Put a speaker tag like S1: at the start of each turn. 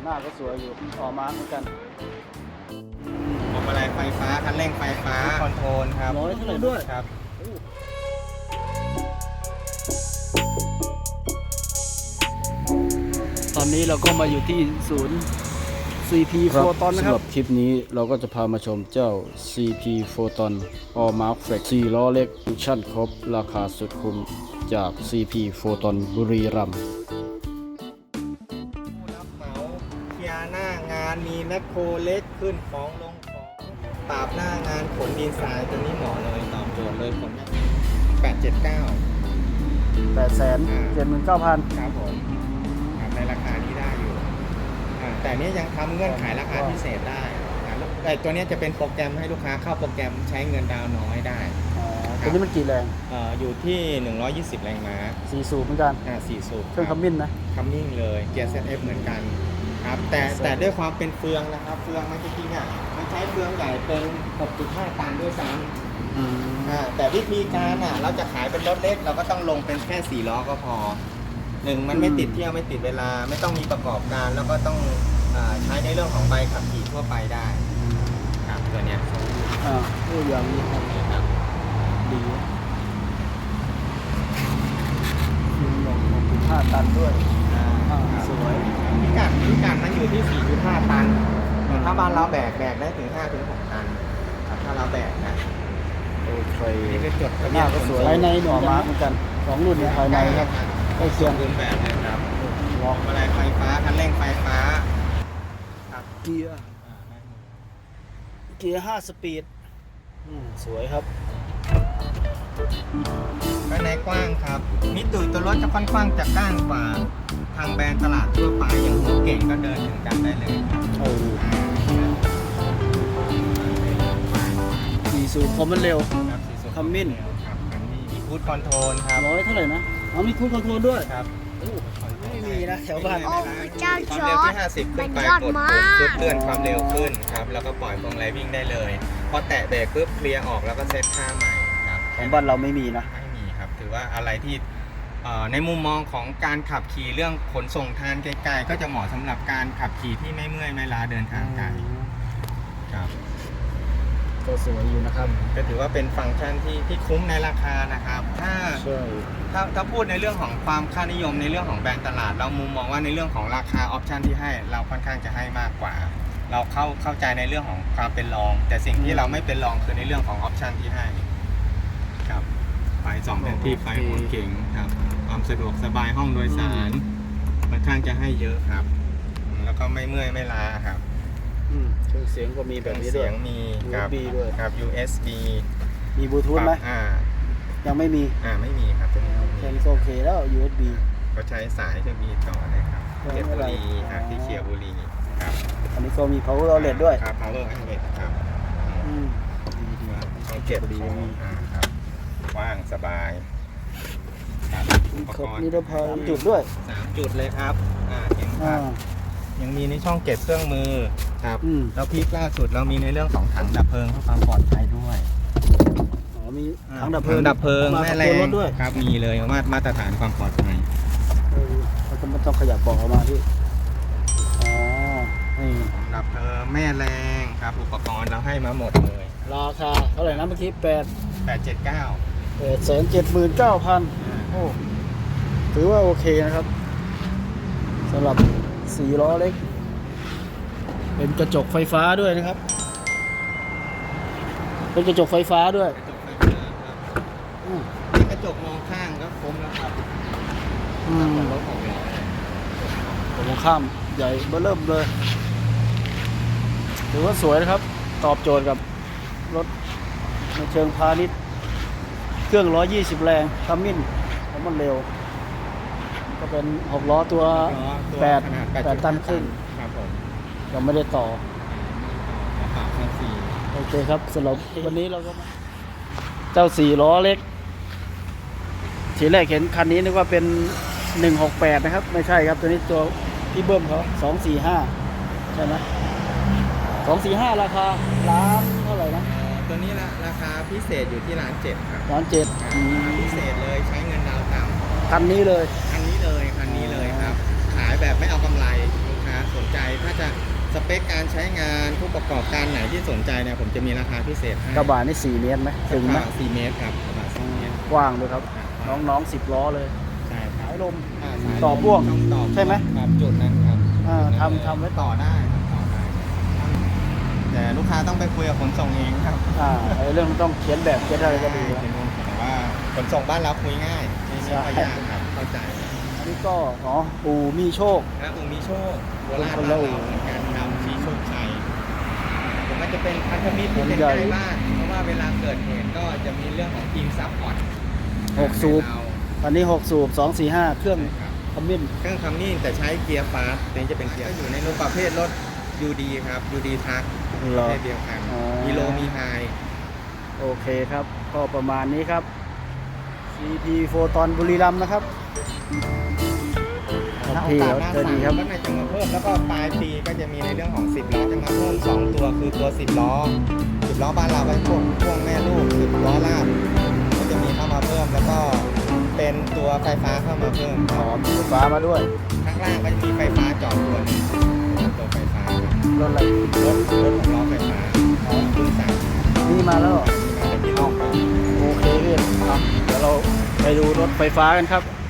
S1: หน้าก็สวยอยู่ต่อมาเหมือนกัน
S2: พวงมาลัยไฟฟ้าคันเร่งไฟฟ้าคอนโทรลครับ
S1: ร้อยเท่าไหร่ด้วย
S2: ครับ
S1: ตอนนี้เราก็มาอยู่ที่ศูนย์ CP Photon นะครับสำหรับคลิปนี้เราก็จะพามาชมเจ้า CP Photon All Mark Flex 4 ล้อเล็กฟังก์ชันครบราคาสุดคุ้มจาก CP Photon บุรีรัมย์
S2: ผู้รับเหมาเคลียร์หน้างานมีแมคโครเล็กขึ้นของลงของปราบหน้างานขนดินทรายตัวนี้เหมาะเลยตอบโจทย์เลยขน879
S1: 879,000
S2: ครับผมในราคานี้ได้อยู่แต่นี้ยังทำเงื่อนไขราคาพิเศษได้แต่ตัวนี้จะเป็นโปรแกรมให้ลูกค้าเข้าโปรแกรมใช้เงินดาวน้อยได้
S1: ตัวนี้มันกี่แรง
S2: อยู่ที่120แรงม้า
S1: 4 สูบเหมือนกัน
S2: 4 สูบ
S1: เครื่องคัมมินนะ
S2: คัมมิ่งเลยเกียร์ ZF เหมือนกันครับแต่ด้วยความเป็นเฟืองนะครับเฟืองมันจริงๆมันใช้เฟืองใหญ่เป็น 6.5 ตันด้วยซ้ำแต่วิธีการเราจะขายเป็นรถเล็กเราก็ต้องลงเป็นแค่4 ล้อก็พอมันไม่ติดเที่ยวไม่ติดเวลาไม่ต้องมีประกอบการแล้วก็ต้องใช้ในเรื่องของใบขับขี่ทั่วไปได้ครับตัวเนี้ย
S1: อย่างนี้ครับดี6.5 ตันด้วยสวย
S2: พิกัดมันอยู่ที่ 4.5 ตันถ้าบ้านเราแบกได้ถึง 5-6 ตันถ้าเราแบกนะ
S1: โอเค
S2: นี่คือจด
S1: หน้าก็สวยภายในหน่อมาเหมือนกัน2 รุ่นภายในครับใกล้เคียง
S2: รุ่นแบบเลยครับพวงมาลัยไฟฟ้าคันเร่งไฟฟ้า
S1: เกียร์ 5 สปีดสวยครับ
S2: ภายในกว้างครับมิตุตัวรถจะค่อนข้างจะก้างกว่าทางแบรนด์ตลาดทั่วไปอย่างหัวเก่งก็เดินถึงกันได้เลย
S1: 4 สูบคอมมันเร็วคัมมิน
S2: มีคูดคอนโทรลครับ
S1: ร้อยเท่าไหร่นะมีคูดคอนโทรลด้วย
S2: ครับ
S1: ไม่มีนะแถวบ้าน
S2: ความเร็วที่50ขึ้นไปกดปุ๊บเลื่อนความเร็วขึ้นครับแล้วก็ปล่อยพวงมาลัยวิ่งได้เลยพอแตะเบรกปุ๊บเคลียร์ออกแล้วก็เซตค่าใหม่ครับ
S1: ของบ้านเราไม่มีนะ
S2: ไม่มีครับถือว่าอะไรที่ในมุมมองของการขับขี่เรื่องขนส่งทานไกลๆก็จะเหมาะสำหรับการขับขี่ที่ไม่เมื่อยไม่ล้าเดินทางไกลครับ
S1: ก็สวยอยู่นะครับ
S2: ก็ถือว่าเป็นฟังก์ชันที่คุ้มในราคานะครับถ้าพูดในเรื่องของความค่านิยมในเรื่องของแบรนด์ตลาดเรามุมมองว่าในเรื่องของราคาออปชันที่ให้เราค่อนข้างจะให้มากกว่าเราเข้าใจในเรื่องของความเป็นรองแต่สิ่งที่เราไม่เป็นรองคือในเรื่องของออปชันที่ให้ครับไฟ2 แผ่นที่ไฟหัวเก๋งครับความสะดวกสบายห้องโดยสารค่อนข้างจะให้เยอะครับแล้วก็ไม่เมื่อยไม่ล้าครับ
S1: เครื่องเสียงก็มีแบบนี้ด้วย
S2: มี
S1: USB ด้วย
S2: ครับ USB
S1: มีบลูทูธไหมยังไม่มี
S2: ไม่มีครับตัวนี้
S1: แค่นี้ก็โอเคแล้ว USB
S2: ก็ใช้สายจะมีต่อเลยครับเพชรบุรีที่เขียวบุรีครับ
S1: อันนี้ก็มี power outlet ด้วย
S2: ครับ power outlet ครับช่องเก็บของครับว่างสบาย
S1: ครบนิรภัย3 จุดด้วย
S2: 3 จุดเลยครับเห็นครับยังมีในช่องเก็บเครื่องมือครับแล้วพีคล่าสุดเรามีในเรื่องของถังดับเพลิงเพื่อความปลอดภัยด้วย
S1: มีถังดับเพลิง
S2: แม่แรงด้วยครับมีเลยมาตรฐานความปลอดภัย
S1: เราก็ไม่ต้องขยับบอกออกมาที่นี่
S2: ดับเพลิงแม่แรงครับอุปกรณ์เราให้มาหมดเลย
S1: ราคาเท่าไหร่นะเมื่อกี้
S2: 879
S1: 879,000โอ้ถือว่าโอเคนะครับสำหรับ4 ล้อเล็กเป็นกระจกไฟฟ้าด้วยนะครับเป็นกระจกไฟฟ้าด้วย
S2: นี่กระจกมองข้างก็คมแล้วครับรถของเรา
S1: มองข้ามใหญ่เบ้อเริ่มเลยถือว่าสวยนะครับตอบโจทย์กับรถในเชิงพาณิชย์เครื่อง120 แรงคัมมินแล้วมันเร็วก็เป็น6 ล้อตัว8 ตันครึ่ง
S2: ครับผม
S1: ยังไม่ได้ต่อโอเคครับสำหรับวันนี้เราก็เจ้า4 ล้อเล็กทีแรกเห็นคันนี้นึกว่าเป็น168นะครับไม่ใช่ครับตัวนี้ตัวพี่เบิ้มเขา245ใช่ไหม245ราคาล้านเท่าไหร่นะ
S2: ตัวนี้ราคาพิเศษอยู่ที่1,700,000ครับ
S1: 1,700,000
S2: พิเศษเลยใช้เงินดาวต่ำ
S1: คันนี้เลย
S2: ครับขายแบบไม่เอากำไรลูกค้าสนใจคการใช้งานผู้ประกอบการไหนที่สนใจเนี่ยผมจะมีราคาพิเศษให้
S1: กระบะนี่4 เมตรไหมถึงไหม
S2: 4 เมตรครับกระบะ4 เมตร
S1: กว้างด้วยครับ น้องๆ10 ล้อเลย
S2: ใช่ครับ
S1: สายลม
S2: สาย
S1: ต่อพ่วง
S2: ต้องต่อ
S1: ใช่ไหม
S2: ครับจุดนั้นครับ
S1: ทำไว้
S2: ต่อได้ครับต่อได้แต่ลูกค้าต้องไปคุยกับขนส่งเองครับ
S1: ไอ้เรื่องต้องเขียนแบบเขียนอะไรก็ดีนะ
S2: แต่ว่าขนส่งบ้านเราคุยง่ายไม่ค่อยยากครับเข้าใจ
S1: อันนี้ก็อู่มีโชค
S2: นะอู่มีโชคโบราณ
S1: คน
S2: บ้า
S1: ละ
S2: น
S1: อู่
S2: เราเหมือนกันนำชี้โชคชัยผมมันจะเป็นพันธมิตรที่เป็น
S1: ใหญ่
S2: ใกล้บ้านเพราะว่าเวลาเกิดเหตุก็จะมีเรื่องของทีมซัพพอร์ต
S1: 6 สูบ อันนี้ 6 สูบ 2 4 5 เครื่องขมิ้น
S2: เครื่องคำนิ่งแต่ใช้เกียร์ฟาสต์นี่จะเป็นเกียร์อยู่ในรถประเภทรถ UD ครับ UD ทัก
S1: เหร
S2: ประ
S1: อ
S2: เภทเดียวกัน
S1: อ๋อ
S2: มีโลมีไฮ
S1: โอเคครับ ก็ประมาณนี้ครับ CP โฟตอนบุรีรัมย์นะครับพี่เขาเจอดีครับ
S2: ก็ในจะมาเพิ่มแล้วก็ปลายปีก็จะมีในเรื่องของ10 ล้อจะมาเพิ่ม2 ตัวคือตัว10 ล้อ10 ล้อบ้านเราเป็นพวกพ่วงแม่ลูก10 ล้อลากก็จะมีเข้ามาเพิ่มแล้วก็เป็นตัวไฟฟ้าเข้ามาเพิ่ม
S1: มีไฟฟ้ามาด้วย
S2: ข้างล่างก็จะมีไฟฟ้าจอดตัวหนึงตัวไฟฟ้าร
S1: ถอะไร
S2: รถ6 ล้อไฟฟ้าเพิ่งสั่ง
S1: นี่มาแล้วเหรอ
S2: มาจากที่ห้อง
S1: โอเคพี่เดี๋ยวเราไปดูรถไฟฟ้ากันครับ